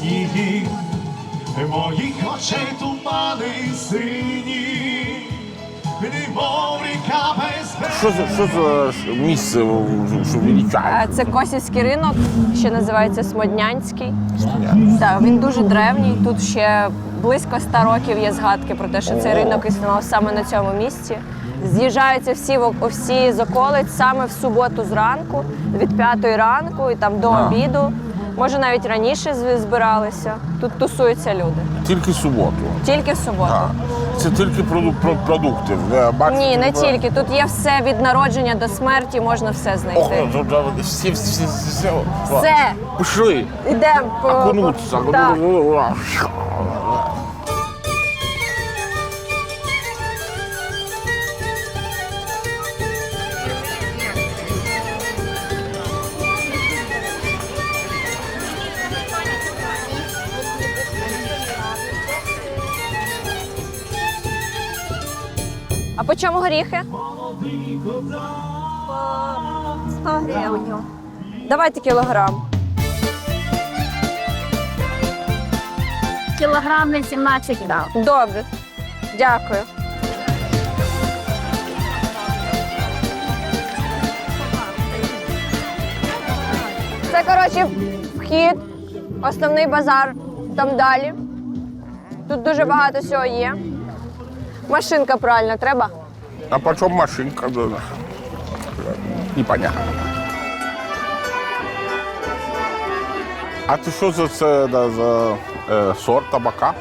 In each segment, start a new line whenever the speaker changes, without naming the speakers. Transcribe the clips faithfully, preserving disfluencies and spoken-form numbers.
сніги, моїх очей тумани сині, немов ріка без берега.
Що за, що за ж місце, що величає?
Це Косівський ринок, ще називається Смоднянський. Так, він дуже древній. Тут ще близько ста років є згадки про те, що цей ринок існував саме на цьому місці. З'їжджаються всі, всі з околиць саме в суботу зранку, від п'ятої ранку і там до
А.
обіду. Може, навіть раніше з- збиралися. Тут тусуються люди.
Тільки суботу.
Тільки в суботу.
А. Це тільки проду- про- продукти. Я бачу,
Ні, не
ви-
тільки. Тут є все від народження до смерті, можна все
Ох,
знайти.
тут тут всі, всі, всі, всі.
Все,
Пішли.
йдемо по...
Окунуться.
Так. А по чому горіхи?
сто гривень.
Давайте кілограм.
Кілограм на сімнадцять дав.
Добре. Дякую. Це, коротше, вхід, основний базар там далі. Тут дуже багато всього є. Машинка пральна треба?
А по чому машинка? Непонятно. А ти що за це да, за е, сорт табака?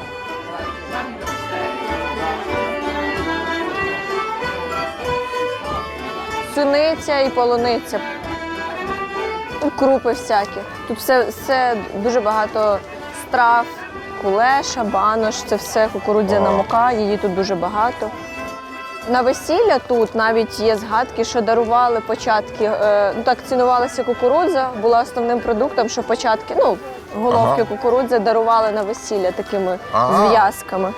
Суниця і полуниця. Крупи всякі. Тут все, все дуже багато страв, кулеша, банош, це все кукурудзяна мука, її тут дуже багато. На весілля тут навіть є згадки, що дарували початки, е, ну так цінувалася кукурудза, була основним продуктом, що початки, ну, головки
Ага.
кукурудзи дарували на весілля такими
Ага.
зв'язками.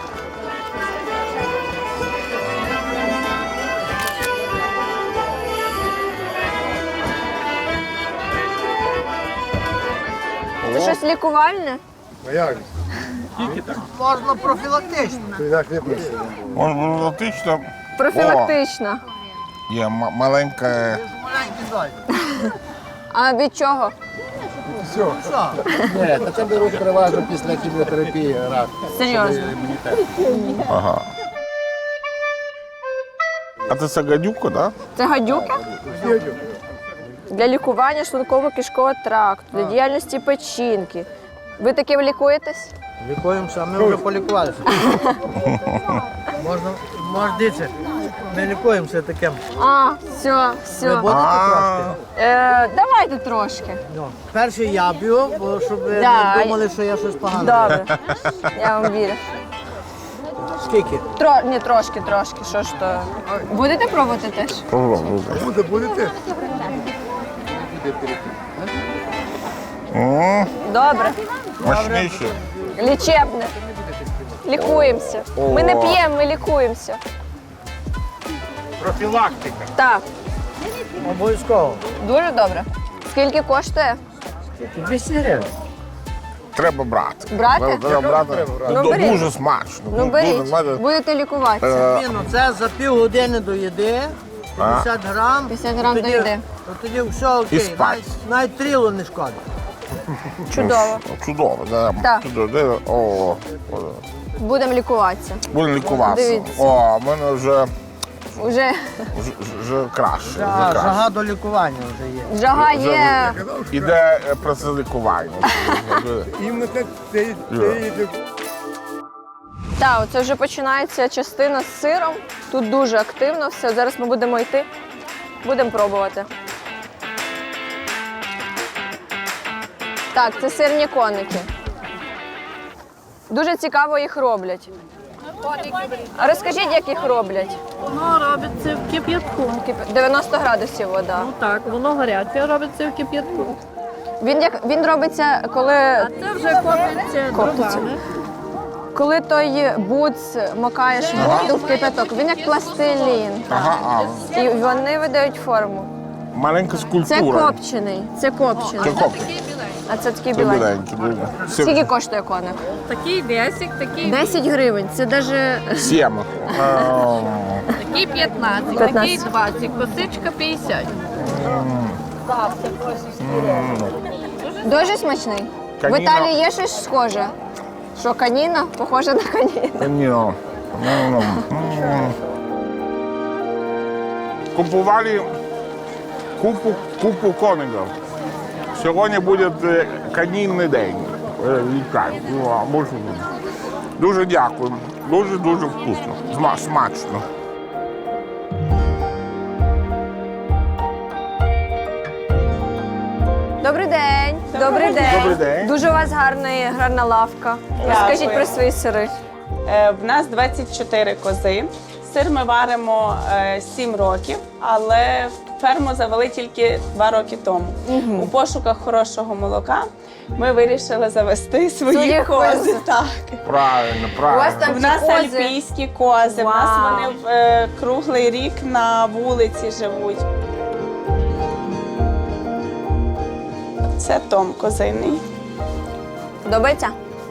Це щось лікувальне?
Можна профілактично.
Монолітично.
Профілактична.
Є м- маленька.
Маленький зайчик.
А від чого?
Ні, та це беруть переважно після хіміотерапії рак.
Серйозно?
Ага. А це гадюка, да?
Це гадюка? Для лікування шлунково-кишкового тракту, для діяльності печінки. Ви таким лікуєтесь?
Лікуємося, ми вже полікувалися. Можна, можна дивіться, ми лікуємося таким.
А, все,
Ви
все.
будете трошки?
Е, давайте трошки.
Ну, перший я б'ю, бо щоб ви
Да.
не думали, що я щось погане.
Добре. Я вам вірю.
Скільки?
Тро... Ні, трошки, трошки. Що ж то? Будете пробувати теж?
Буде, будете?
М,
Добре.
Мощніше.
Лічебне. Лікуємося. Ми не
О.
п'ємо, ми лікуємося.
Профілактика.
Так,
Обов'язково.
дуже добре. Скільки коштує?
двісті гривень.
Треба брати.
Брати?
Треба брати.
Ну,
Ду-
беріть.
Дуже смачно.
Ну
Дуже
беріть,
смачно.
будете лікуватися.
Е,
Ні, ну це за півгодини до їди, п'ятдесят грам.
п'ятдесят грам
тоді-
до їди.
то Тоді все окей.
І спать.
Навіть, навіть тріло не шкода.
Чудово.
Чудово, да.
Так.
Чудово. Де- О, о,
Будемо лікуватися.
будемо лікуватися.
Дивіться.
О, в мене вже,
Уже
вже, вже краще. Вже
Жага,
краще.
жага до лікування вже є.
жага є.
Іде е, процес лікування.
Так, оце вже починається частина з сиром. Тут дуже активно все. Зараз ми будемо йти. Будемо пробувати. Так, це сирні коники. Дуже цікаво їх роблять. А розкажіть, як їх роблять?
Воно робиться в кип'ятку.
Кип- дев'яносто градусів вода.
Ну так, воно гаряче робиться в кип'ятку.
Він як він робиться, коли,
Це вже коптиться
Коптиться.
дровами.
коли той буц макаєш воду в кипяток. Він як пластилін.
Ага, а,
І вони видають форму.
маленька
Це
скульптура.
копчений. Це копчений.
Це копчений.
А це такий
Це
біленький.
біленький. дуже. Сім-
Скільки коштує коник?
Такий десять, такий,
десять гривень. Це даже
Сім. Е,
такий п'ятнадцять,
п'ятнадцять.
такий двадцять, косичка п'ятдесят.
дуже смачний. В
Каніна.
Італії є щось схоже. Що каніна? Похоже на каніну.
Ні. М. М. Купували купу, купу коників. Сьогодні буде е, канінний день. Е, вітаю. Ну, а може, Дуже дякую. Дуже-дуже вкусно. Зма- Смачно.
Добрий день. Добрий день.
Добрий день.
Дуже у вас гарна, гарна лавка. Розкажіть про свої сири.
Е, В нас двадцять чотири кози. Сир ми варимо е, сім років, але ферму завели тільки два роки тому. У пошуках хорошого молока ми вирішили завести свої
Своїх
кози.
коз.
Так.
Правильно,
У вас
правильно.
там
В нас
ці кози.
альпійські кози, в нас
Вау.
вони е, круглий рік на вулиці живуть. Це Том козиний.
Подобається?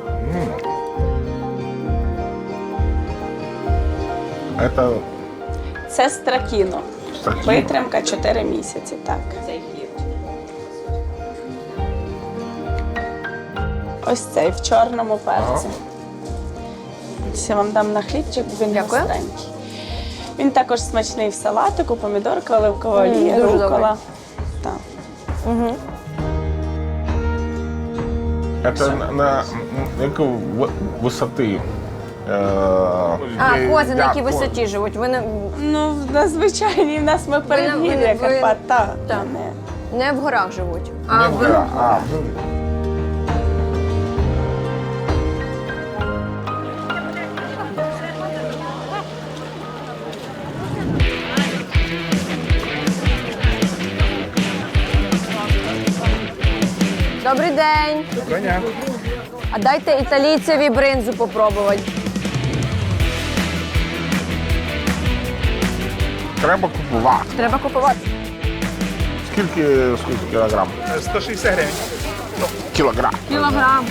Це
Це стракіно.
Стракіно.
Витримка чотири місяці. Так. Ось цей в чорному перці. Я вам дам на хлібчик, бо він
Дякую.
гостренький. Він також смачний в салатику, помідорка, оливкова
М,
олія,
дуже добрий.
рукола. Так.
Угу.
Це на, на яку ви- висоти? Е,
А,
є-
кози на
як
якій
кози?
висоті живуть? Ви не,
Ну, на звичайній в нас ми передгір'я
ви- ви-
Карпат. Так,
Так.
не.
не в горах живуть. А
Не
в...
вгора, а,
Добрий день. А дайте італійцеві бринзу попробувати.
треба купувати.
Треба купувати.
Скільки, скільки кілограм?
сто шістдесят гривень.
Кілограм.
Кілограм.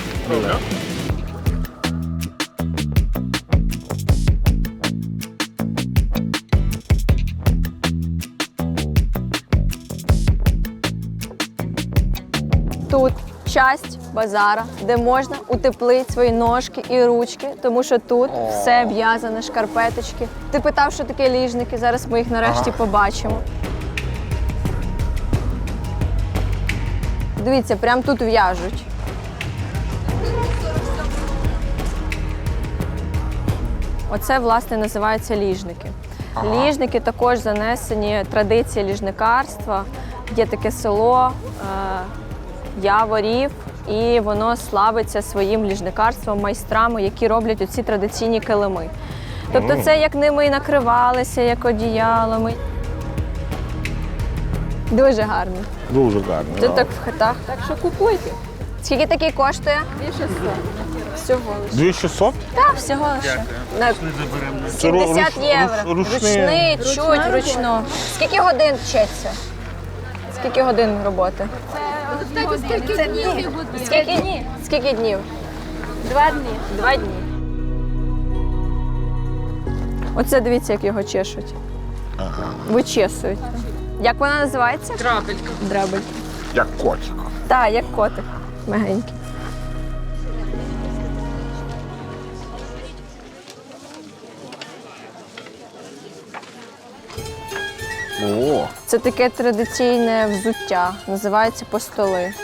Тут часть базара, де можна утеплити свої ножки і ручки, тому що тут все в'язане, шкарпеточки. Ти питав, що таке ліжники, зараз ми їх нарешті побачимо. Дивіться, прямо тут в'яжуть. Оце, власне, називаються ліжники. Ліжники також занесені традиції ліжникарства. Є таке село е, Яворів, і воно славиться своїм ліжникарством, майстрами, які роблять оці традиційні килими. Тобто це як ними і накривалися, як одіялами. Дуже гарно.
Дуже гарно.
Тут так в хатах. Так що купуйте. Скільки такий коштує? Всього лише.
дві шістсот?
Так, всього лише. На сімдесят
руч-
євро.
руч- ручний.
Ручний, чуть вручну. Скільки годин вчиться? Скільки годин роботи?
Скільки днів?
Скільки днів? Скільки днів?
Два дні.
Два дні. Оце дивіться, як його чешуть. Вичесують. Як вона називається? Драбель. Драбель.
Як котик.
Так, як котик. Мягенький.
О,
Це таке традиційне взуття, називається постоли.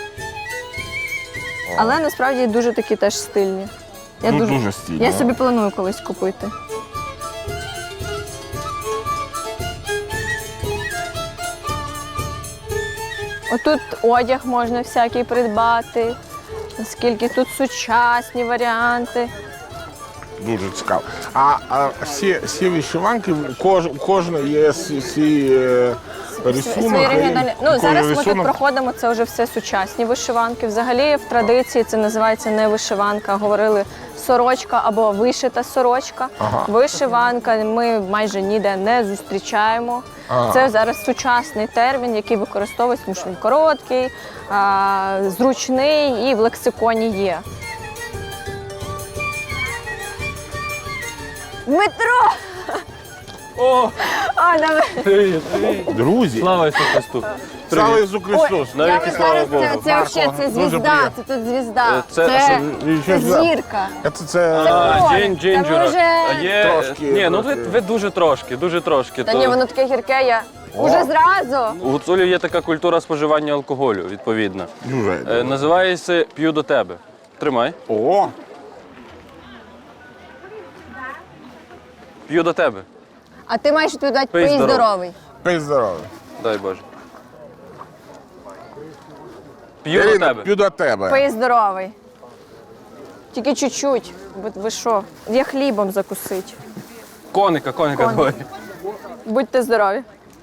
Але насправді дуже такі теж стильні. Я
Ну, дуже стильні.
Я собі планую колись купити. Отут одяг можна всякий придбати, оскільки тут сучасні варіанти.
дуже цікаво. А, а всі, всі вишиванки, кож, у кожної є свій, свій е, рисунок.
свої регіональні. Ну,
Такий
зараз ми тут
рисунок.
проходимо, це вже все сучасні вишиванки. Взагалі в традиції це називається не вишиванка, а говорили сорочка або вишита сорочка.
Ага.
Вишиванка ми майже ніде не зустрічаємо.
Ага.
Це зараз сучасний термін, який використовується, тому що він короткий, а, зручний і в лексиконі є. Дмитро!
О,
А, давай.
привіт, привіт.
Друзі,
Слава Ісусу Христу.
слава Ісусу Христос.
Я
Навіки
ви
слава
зараз,
Богу.
це, це, взагалі, це
Дуже
звізда,
приємно.
це тут звізда.
Е, це-
Це,
а
це,
що це?
зірка.
Це, це...
А,
Ой,
Джин,
та
Джинджера.
може-
А є...
Трошки,
Ні, ну ви,
трошки.
ви дуже трошки, дуже трошки.
Та
То-
ні, воно таке гірке, я уже зразу.
У гуцулів є така культура споживання алкоголю, відповідно.
Дуже.
Е, називається «П'ю до тебе». Тримай.
О,
П'ю до тебе.
А ти маєш відповідати
Пий
пий
здоров.
здоровий.
пий здоров'я.
Дай Боже. П'ю до
Ірина,
тебе.
п'ю до тебе.
Пий здоровий. Тільки чуть-чуть. Бо ви що? Я хлібом закусить.
Коника, коника
Коник.
давай.
Будьте здорові.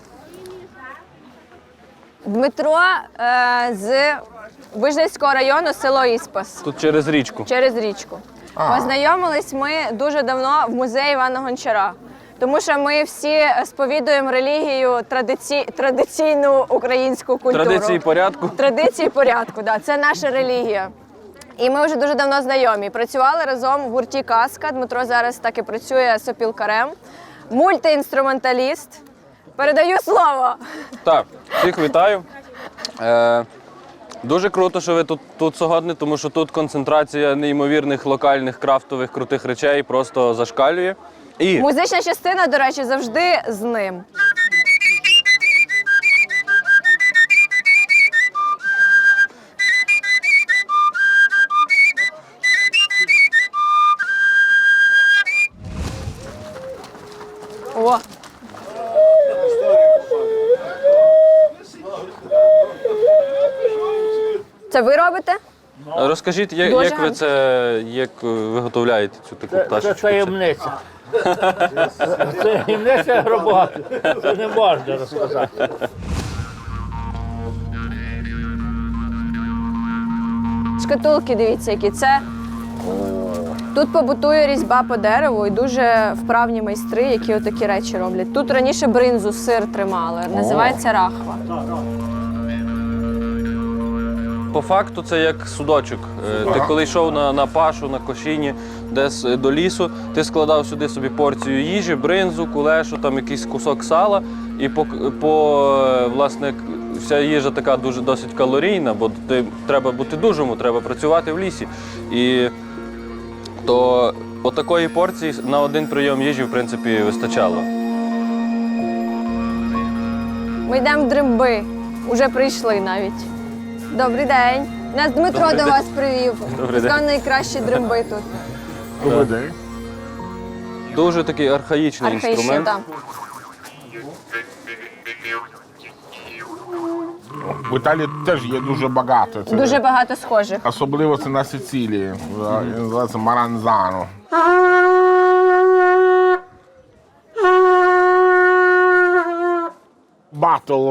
Дмитро е, з Вижницького району, село Іспас.
Тут через річку.
Через річку. Познайомились ми дуже давно в музеї Івана Гончара. Тому що ми всі сповідуємо релігію, традиці... традиційну українську культуру.
Традиції порядку.
Традиції порядку, да. Це наша релігія. І ми вже дуже давно знайомі. Працювали разом в гурті «Казка». Дмитро зараз так і працює сопілкарем. Мультиінструменталіст. Передаю слово.
Так, всіх вітаю. Е, дуже круто, що ви тут, тут сьогодні, тому що тут концентрація неймовірних локальних крафтових крутих речей просто зашкалює. І
Музична частина, до речі, завжди з ним. О! Це ви робите?
розкажіть, як,
Дуже
як ви
гарно.
це як виготовляєте цю таку
Це
пташечку?
таємниця. Це таємниця роботи. Це не можна розказати.
Шкатулки, дивіться, які це. Тут побутує різьба по дереву і дуже вправні майстри, які отакі речі роблять. Тут раніше бринзу, сир тримали, називається рахва.
По факту це як судочок. Е, Ти коли йшов на, на пашу, на кошіні, десь е, до лісу, ти складав сюди собі порцію їжі, бринзу, кулешу, там якийсь кусок сала. І по, по е, власне, к- вся їжа така дуже досить калорійна, бо ти, треба бути дужому, треба працювати в лісі. І то отакої порції на один прийом їжі, в принципі, вистачало.
Ми йдемо в дримби. Уже прийшли навіть. Добрий день. Нас Дмитро
Добрий
до
день.
вас привів.
Добрий день.
Сказав, найкращі дримби тут.
Добрий день.
Дуже такий архаїчний
Архаїчні,
інструмент.
так.
В Італії теж є дуже багато. Це
Дуже багато схожих.
Особливо це на Сицилії. Він називається маранзано. Батл.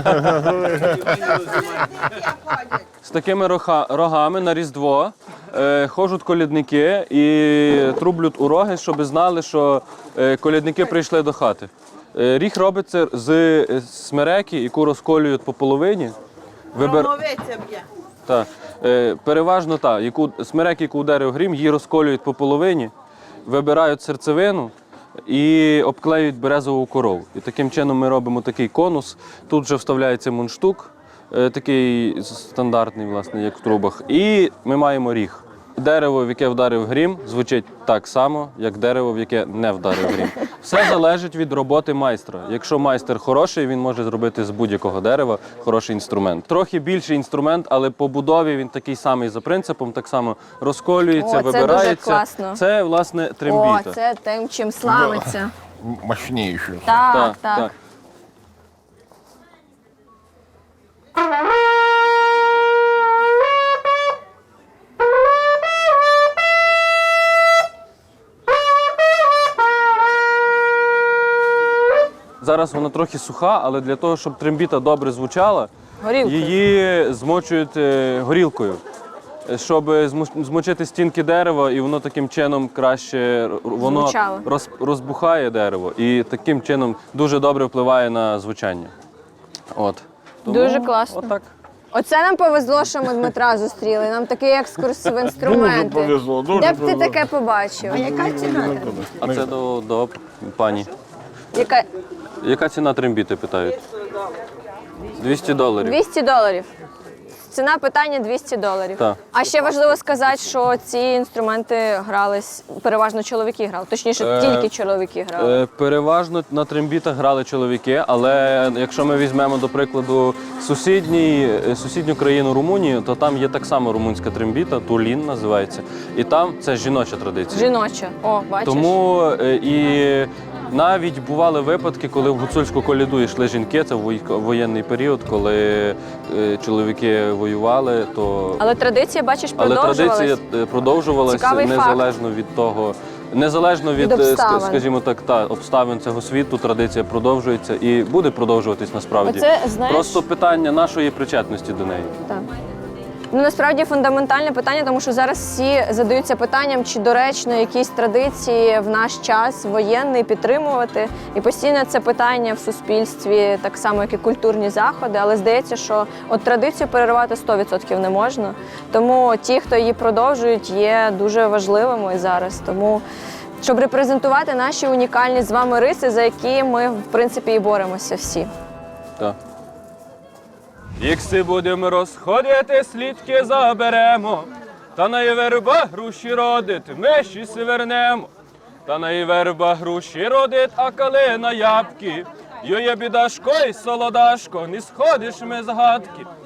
З такими роха- рогами на Різдво е, ходжуть колядники і трублють у роги, щоб знали, що е, колядники прийшли до хати. Е, ріг робиться з е, смереки, яку розколюють по половині. Вибер... Так. Е, переважно так, яку смерек, яку ударив грім, її розколюють по половині, вибирають серцевину і обклеюють березову корову. І таким чином ми робимо такий конус. Тут вже вставляється мундштук, е, такий стандартний, власне, як в трубах. І ми маємо ріг. Дерево, в яке вдарив грім, звучить так само, як дерево, в яке не вдарив грім. Все залежить від роботи майстра. Якщо майстер хороший, він може зробити з будь-якого дерева хороший інструмент. Трохи більший інструмент, але по будові він такий самий за принципом, так само розколюється,
О, це дуже
вибирається.
класно.
Це, власне,
О,
трембіта.
це тим, чим славиться.
Мощніший.
Так, так.
зараз вона трохи суха, але для того, щоб трембіта добре звучала,
Горілкою.
її змочують е, горілкою, е, щоб зму- змочити стінки дерева, і воно таким чином краще р- воно
Звучало.
роз, розбухає дерево, і таким чином дуже добре впливає на звучання. От.
Дуже класно.
Отак.
Оце нам повезло, що ми Дмитра зустріли. Нам такий екскурс в інструменти.
Дуже повезло, дуже
Де б ти
повезло.
таке побачив?
А це до, до пані.
Яка?
Яка ціна трембіти, питають? двісті доларів.
двісті доларів. Ціна питання двісті доларів.
Так.
А ще важливо сказати, що ці інструменти грались, переважно чоловіки грали. Точніше,
Е,
тільки чоловіки грали.
Е, Переважно на трембітах грали чоловіки, але якщо ми візьмемо, до прикладу, сусідній, е, сусідню країну Румунію, то там є так само румунська трембіта, тулін називається. І там це жіноча традиція.
Жіноча. О, бачиш?
Тому е, і навіть бували випадки, коли в гуцульську коляду йшли жінки, це в вой- воєнний період, коли е, чоловіки воювали, то
Але традиція, бачиш,
але
продовжувалась.
традиція е, продовжувалася
Цікавий
незалежно від того, незалежно від,
Від
е, ска-
обставин.
скажімо так, та обставин цього світу, традиція продовжується і буде продовжуватись насправді.
Оце, знаєш-
Просто питання нашої причетності до неї.
Так. Ну, насправді фундаментальне питання, тому що зараз всі задаються питанням, чи доречно якісь традиції в наш час воєнний підтримувати. І постійно це питання в суспільстві, так само, як і культурні заходи. Але здається, що от традицію перервати сто відсотків не можна. Тому ті, хто її продовжують, є дуже важливими зараз. Тому щоб репрезентувати наші унікальні з вами риси, за які ми, в принципі, і боремося всі.
Так. Ікси будемо розходити, слідки заберемо, та на й верба груші родить, ми щось вернемо. Та на й верба груші родить, а калина ябки. Йоє бідашко й солодашко, не сходиш ми з гадки.